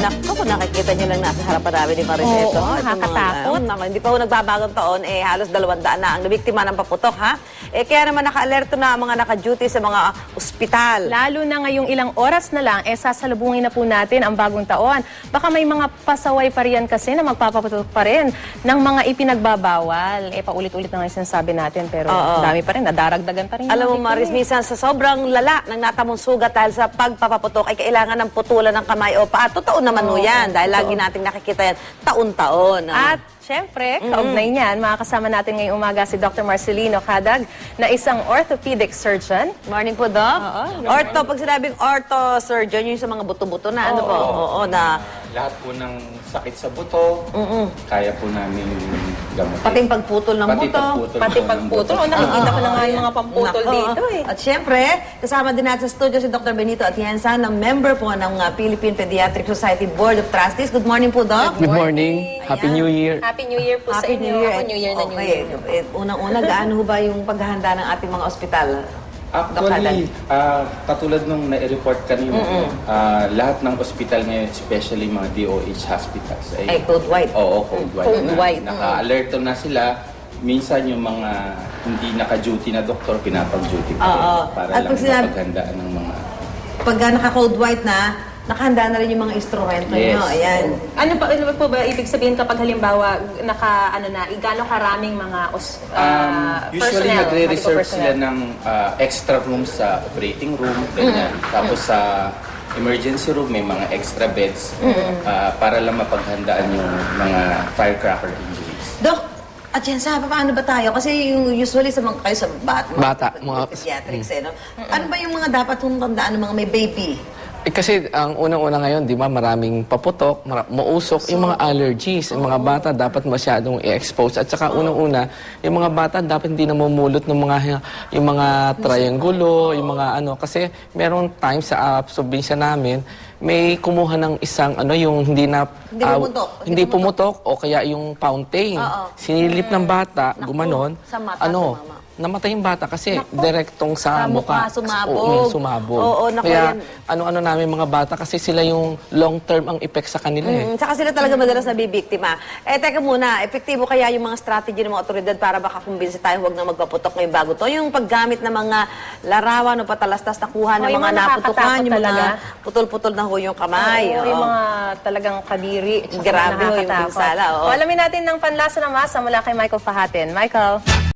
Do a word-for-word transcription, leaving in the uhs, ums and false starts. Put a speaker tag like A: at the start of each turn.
A: Naku, kung nakikita niyo lang nasa harapan namin ni Marites.
B: Oo, nakakatakot.
A: Mga, hindi pa ho nagbabagong taon, eh halos dalawang daan na ang nabiktima ng paputok, ha? Eh kaya naman naka-alerto na ang mga naka-duty sa mga ospital.
B: Lalo na ngayong ilang oras na lang, eh sasalubungin na po natin ang bagong taon. Baka may mga pasaway pa riyan kasi na magpapaputok pa rin ng mga ipinagbabawal. Eh paulit-ulit na nga yung sinasabi natin, pero
A: Oo.
B: dami pa rin, nadaragdagan pa rin.
A: Alam mo, Maris, minsan sa sobrang lala ng natamong sugat dahil sa pagpapaputok ay kailangan ng putulan ng kamay o paa. Totoo naman mo yan dahil lagi nating nakikita yan taon-taon.
B: At syempre, kaugnay niyan, makakasama natin ngayong umaga si Doctor Marcelino Cadag na isang orthopedic surgeon.
A: Morning po, Doc.
B: Oo, good
A: Ortho, pag sinabing ortho surgeon, yung sa mga buto-buto na, ano po? Oo, na
C: Lahat po ng sakit sa buto, kaya po namin gamutin.
A: pati yung pagputol ng
C: Pati
A: buto.
C: pagputol
B: Pati
C: po ng
B: pagputol.
C: buto.
B: O, nakikita ko na nga yung mga pamputol
A: Nako.
B: dito eh.
A: At syempre, kasama din natin sa studio si Doctor Benito Atienza, na member po ng uh, Philippine Pediatric Society Board of Trustees. Good morning po, Doc.
D: Good morning. Happy New Year.
B: Happy New Year po sa
A: Happy
B: inyo.
A: New Year.
B: Ako, New Year na New
A: Okay.
B: Year.
A: Eh, Unang-una, gaano ho ba yung paghahanda ng ating mga ospital? Doc Haddad?
C: Actually, ah, katulad nung na-report kanina, ah, lahat ng ospital ngayon, especially mga D O H hospitals,
A: Ay, code white.
C: Oo, code white.
B: Code
C: na,
B: white.
C: Naka-alerto na sila. Minsan yung mga hindi naka-duty na doktor, pinapag-duty pa rin.
A: Oo.
C: Para
A: At
C: lang
A: pag sinabi-
C: mapaghandaan ng mga...
A: Pag uh, naka-code white na, nakahanda na rin yung mga instrumento
C: Yes.
A: nyo. Ayan.
B: Ano pa ano po ba ibig sabihin kapag halimbawa naka ano na igano karaming mga os,
C: Um,
B: ah,
C: usually
B: personnel,
C: nagre-reserve
B: medical
C: sila
B: personnel?
C: ng ah, extra rooms sa operating room, ganyan. Tapos sa emergency room may mga extra beds ah, para lang mapaghandaan yung mga firecracker injuries.
A: Doc, at yan sa paano ba tayo? Kasi yung usually sa mga kayo sa bat, mga,
D: Bata, mga-
A: pediatrics, eh, no? Ano ba yung mga dapat kong tandaan ng mga may baby?
D: Eh, kasi ang unang-una ngayon, di ba, maraming paputok, mara- mausok, yung mga allergies. Yung mga bata dapat masyadong i-expose. At saka unang-una, yung mga bata dapat hindi namumulot ng mga yung mga triangulo, yung mga ano. Kasi merong time sa uh, probinsya namin, may kumuha ng isang ano, yung hindi na...
A: Hindi
D: ah,
A: pumutok.
D: Hindi pumutok o kaya yung fountain.
A: Oo.
D: Sinilip ng bata,
A: Naku,
D: gumanon.
A: sa mata
D: ano,
A: tumama.
D: namatay yung bata kasi direktong
A: Sa
D: sa,
A: mukha,
D: mukha.
A: sumabog.
D: Oo, mm, sumabog.
A: Oo, naku,
D: Kaya
A: yan.
D: ano-ano namin mga bata kasi sila yung long-term ang effect sa kanila eh.
A: Mm, saka sila talaga madalas nabibiktima. Eh, teka muna, epektibo kaya yung mga strategy ng mga otoridad para baka kumbinsi tayo huwag na magpaputok ngayong bago to? Yung paggamit ng mga larawan o patalastas na kuha ng
B: Oh, yung
A: mga
B: mga
A: naputukan,
B: nakakatakot
A: yung mga
B: talaga.
A: putol-putol na ho yung kamay.
B: Oo,
A: oo.
B: yung mga talagang kadiri. tsaka
A: Grabe ho yung
B: nakakatakot.
A: pinsala, oo.
B: O, alamin natin ng panlasa ng masa mula kay Michael Fahatin. Michael.